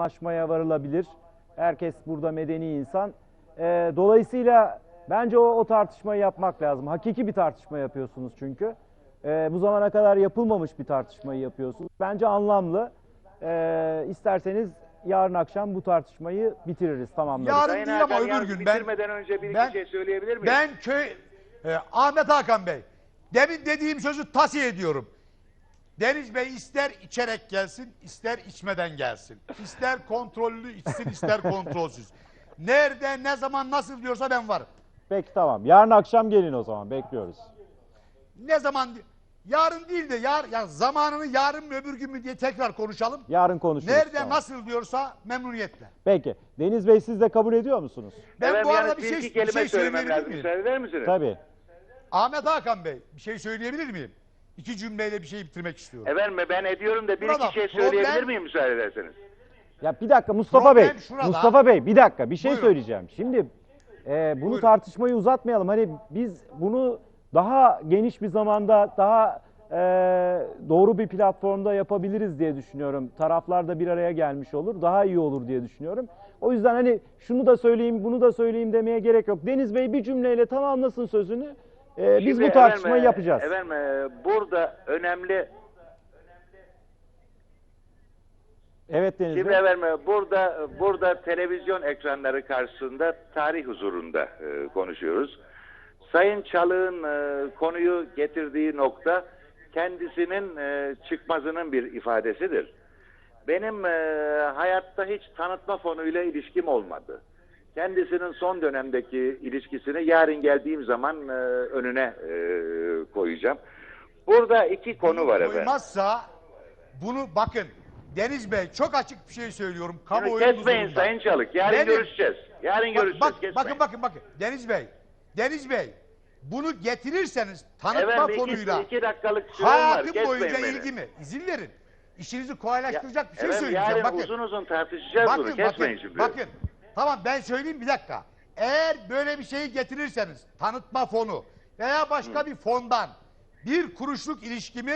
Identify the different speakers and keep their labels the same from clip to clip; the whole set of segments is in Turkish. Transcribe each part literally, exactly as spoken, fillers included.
Speaker 1: anlaşmaya varılabilir. Herkes burada medeni insan. Ee, dolayısıyla bence o, o tartışmayı yapmak lazım. Hakiki bir tartışma yapıyorsunuz çünkü. Ee, bu zamana kadar yapılmamış bir tartışmayı yapıyorsunuz. Bence anlamlı. Ee, isterseniz yarın akşam bu tartışmayı bitiririz, tamamlarız.
Speaker 2: Yarın
Speaker 3: Sayın
Speaker 2: değil ama
Speaker 3: Hakan,
Speaker 2: öbür
Speaker 3: yalnız
Speaker 2: gün. Ben,
Speaker 3: bitirmeden önce bir
Speaker 2: ben,
Speaker 3: iki şey söyleyebilir miyim?
Speaker 2: Ben köy... E, Ahmet Hakan Bey, demin dediğim sözü tavsiye ediyorum. Deniz Bey ister içerek gelsin, ister içmeden gelsin. İster kontrollü içsin, ister kontrolsüz. Nerede, ne zaman, nasıl diyorsa ben varım.
Speaker 1: Peki tamam. Yarın akşam gelin o zaman. Bekliyoruz.
Speaker 2: Ne zaman, yarın değil de yar, ya zamanını yarın mı öbür gün mü diye tekrar konuşalım.
Speaker 1: Yarın konuşuruz.
Speaker 2: Nerede,
Speaker 1: tamam.
Speaker 2: nasıl diyorsa memnuniyetle.
Speaker 1: Peki. Deniz Bey, siz de kabul ediyor musunuz?
Speaker 2: Ben
Speaker 3: Efendim,
Speaker 2: bu arada
Speaker 3: yalnız
Speaker 2: bir
Speaker 3: bir
Speaker 2: şey,
Speaker 3: iki
Speaker 2: bir
Speaker 3: kelime
Speaker 2: şey
Speaker 3: söylemem
Speaker 2: söyleyebilir
Speaker 3: lazım.
Speaker 2: miyim?
Speaker 3: Müsaade eder misiniz?
Speaker 1: Tabii.
Speaker 2: Ahmet Hakan Bey, bir şey söyleyebilir miyim? İki cümleyle bir şey bitirmek istiyorum.
Speaker 3: Efendim ben ediyorum da bir
Speaker 2: Burada
Speaker 3: iki şey
Speaker 2: problem-
Speaker 3: söyleyebilir miyim müsaade ederseniz?
Speaker 1: Ya bir dakika Mustafa
Speaker 2: Problem
Speaker 1: Bey.
Speaker 2: şurada.
Speaker 1: Mustafa Bey bir dakika bir şey
Speaker 2: Buyurun.
Speaker 1: söyleyeceğim. Şimdi e, bunu
Speaker 2: Buyurun.
Speaker 1: tartışmayı uzatmayalım. Hani biz bunu daha geniş bir zamanda, daha e, doğru bir platformda yapabiliriz diye düşünüyorum. Taraflar da bir araya gelmiş olur. Daha iyi olur diye düşünüyorum. O yüzden hani şunu da söyleyeyim, bunu da söyleyeyim demeye gerek yok. Deniz Bey bir cümleyle tamamlasın sözünü. E, biz
Speaker 3: Şimdi
Speaker 1: bu tartışmayı
Speaker 3: efendim,
Speaker 1: yapacağız.
Speaker 3: Efendim e, burada önemli...
Speaker 1: Evet Deniz
Speaker 3: Şimdi
Speaker 1: Bey.
Speaker 3: efendim burada burada televizyon ekranları karşısında tarih huzurunda e, konuşuyoruz. Sayın Çalık'ın e, konuyu getirdiği nokta kendisinin e, çıkmazının bir ifadesidir. Benim e, hayatta hiç tanıtma fonuyla ilişkim olmadı. Kendisinin son dönemdeki ilişkisini yarın geldiğim zaman e, önüne e, koyacağım. Burada iki konu var efendim.
Speaker 2: Koymazsa bunu bakın Deniz Bey çok açık bir şey söylüyorum.
Speaker 3: Bunu
Speaker 2: Kamuoyu
Speaker 3: kesmeyin
Speaker 2: huzurunda.
Speaker 3: Sayın Çalık. Yarın
Speaker 2: Benim-
Speaker 3: görüşeceğiz. Yarın
Speaker 2: Bak-
Speaker 3: görüşeceğiz.
Speaker 2: bak-
Speaker 3: kesmeyin.
Speaker 2: bakın bakın bakın Deniz Bey. Deniz Bey bunu getirirseniz tanıtma
Speaker 3: Efendim iki,
Speaker 2: fonuyla
Speaker 3: iki dakikalık sürem var.
Speaker 2: hayatım
Speaker 3: Kesmeyin
Speaker 2: boyunca
Speaker 3: beni.
Speaker 2: ilgi mi? İzin verin. İşinizi kolaylaştıracak bir şey
Speaker 3: efendim,
Speaker 2: söyleyeceğim.
Speaker 3: yarın
Speaker 2: Bakın.
Speaker 3: uzun uzun tartışacağız bunu.
Speaker 2: Bakın
Speaker 3: Kesmeyin
Speaker 2: bakın
Speaker 3: şimdi.
Speaker 2: bakın. Tamam ben söyleyeyim bir dakika. Eğer böyle bir şeyi getirirseniz tanıtma fonu veya başka bir fondan bir kuruşluk ilişkimi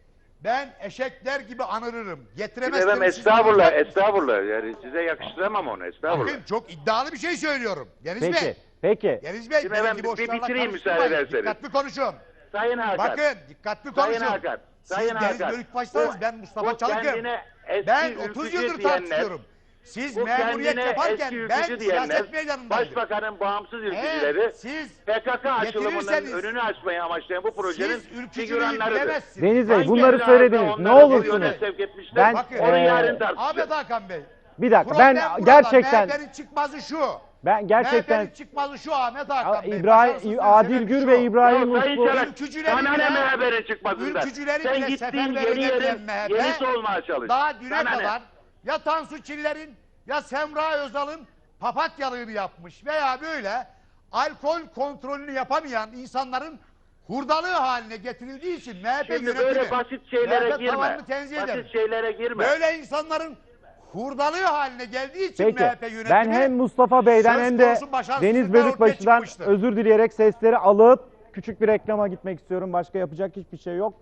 Speaker 2: ben eşekler gibi anırırım. Getiremezseniz
Speaker 3: Efendim
Speaker 2: siz
Speaker 3: estağfurullah,
Speaker 2: anlayacak mısınız?
Speaker 3: estağfurullah. Yani size yakıştıramam onu, estağfurullah.
Speaker 2: Bakın çok iddialı bir şey söylüyorum. Deniz
Speaker 1: Peki.
Speaker 2: Bey.
Speaker 1: Peki.
Speaker 2: Deniz Bey
Speaker 3: Şimdi
Speaker 2: benim
Speaker 3: efendim,
Speaker 2: gibi
Speaker 3: bir
Speaker 2: boşlarla
Speaker 3: bitireyim müsaade
Speaker 2: karıştırmayın.
Speaker 3: ederseniz.
Speaker 2: Dikkatli konuşun.
Speaker 3: Sayın Hakan.
Speaker 2: Bakın dikkatli
Speaker 3: Sayın
Speaker 2: konuşun.
Speaker 3: Hakan.
Speaker 2: Siz
Speaker 3: Sayın
Speaker 2: Deniz
Speaker 3: Hakan.
Speaker 2: Bölükbaş'sanız
Speaker 3: Bu-
Speaker 2: ben Mustafa
Speaker 3: bu
Speaker 2: Çalık'ım.
Speaker 3: kendine eski
Speaker 2: Ben otuz
Speaker 3: ülkücü
Speaker 2: yıldır
Speaker 3: diyenler,
Speaker 2: tartışıyorum. Siz
Speaker 3: bu
Speaker 2: memuriyet
Speaker 3: kendine
Speaker 2: yaparken
Speaker 3: eski
Speaker 2: ben
Speaker 3: ülkücü diyenler,
Speaker 2: siyaset meydanındaydım.
Speaker 3: Başbakanın bağımsız ülkücüleri,
Speaker 2: Eğer siz
Speaker 3: P K K açılımının
Speaker 2: getirirseniz,
Speaker 3: önünü açmayı amaçlayan bu projenin
Speaker 2: siz ülkücülüğü
Speaker 3: figüranlarıdır.
Speaker 2: bilemezsiniz.
Speaker 1: Deniz Bey
Speaker 3: Hangi
Speaker 1: bunları
Speaker 3: evladı
Speaker 1: söylediniz. Ne
Speaker 3: onları bu
Speaker 1: olursunuz.
Speaker 3: yöne sevk etmişler?
Speaker 1: Ben,
Speaker 2: Bakın,
Speaker 3: onu
Speaker 1: eee,
Speaker 3: yarın tartışacağız.
Speaker 2: Ahmet Hakan Bey.
Speaker 1: Bir dakika
Speaker 2: Problem
Speaker 1: ben
Speaker 2: burada.
Speaker 1: gerçekten
Speaker 2: M H P'nin çıkmazı şu.
Speaker 1: ben gerçekten
Speaker 2: M H P'nin çıkmazı şu Ahmet Hakan Bey.
Speaker 1: İbrahim
Speaker 2: Başarısızlığın
Speaker 1: Adil
Speaker 2: sebebi
Speaker 1: Gür
Speaker 2: şu.
Speaker 1: ve İbrahim
Speaker 3: Ya Sayın
Speaker 1: Uslu
Speaker 3: Çalık,
Speaker 2: Ülkücülerin
Speaker 3: sana ne
Speaker 2: bile-
Speaker 3: M H P'nin çıkmasından?
Speaker 2: Ülkücülerin
Speaker 3: Sen
Speaker 2: bile
Speaker 3: gittiğin
Speaker 2: seferber
Speaker 3: yeni
Speaker 2: edemeyen
Speaker 3: yerin
Speaker 2: M H P,
Speaker 3: yenisi olmaya çalış.
Speaker 2: daha düne
Speaker 3: Sana ne?
Speaker 2: kadar ya Tansu Çiller'in ya Semra Özal'ın papatyalığını yapmış veya böyle alkol kontrolünü yapamayan insanların hurdalığı haline getirildiği için M H P
Speaker 3: Şimdi
Speaker 2: yönetimi
Speaker 3: böyle basit şeylere
Speaker 2: M H P
Speaker 3: girme.
Speaker 2: tavanını tenzih ederim.
Speaker 3: Basit şeylere girme.
Speaker 2: Böyle insanların hurdalığı haline geldiği için
Speaker 1: Peki.
Speaker 2: M H P yönetimi
Speaker 1: Ben hem Mustafa Bey'den
Speaker 2: söz
Speaker 1: hem de
Speaker 2: konusu başarısızlıklar
Speaker 1: Deniz
Speaker 2: ortaya
Speaker 1: Bölükbaşı'dan
Speaker 2: çıkmıştır.
Speaker 1: özür dileyerek sesleri alıp küçük bir reklama gitmek istiyorum. Başka yapacak hiçbir şey yok.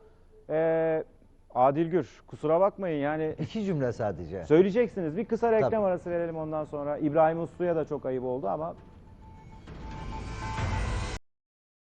Speaker 1: Ee, Adil Gür kusura bakmayın yani
Speaker 4: İki cümle sadece.
Speaker 1: söyleyeceksiniz. Bir kısa reklam
Speaker 4: Tabii.
Speaker 1: arası verelim ondan sonra. İbrahim Uslu'ya da çok ayıp oldu ama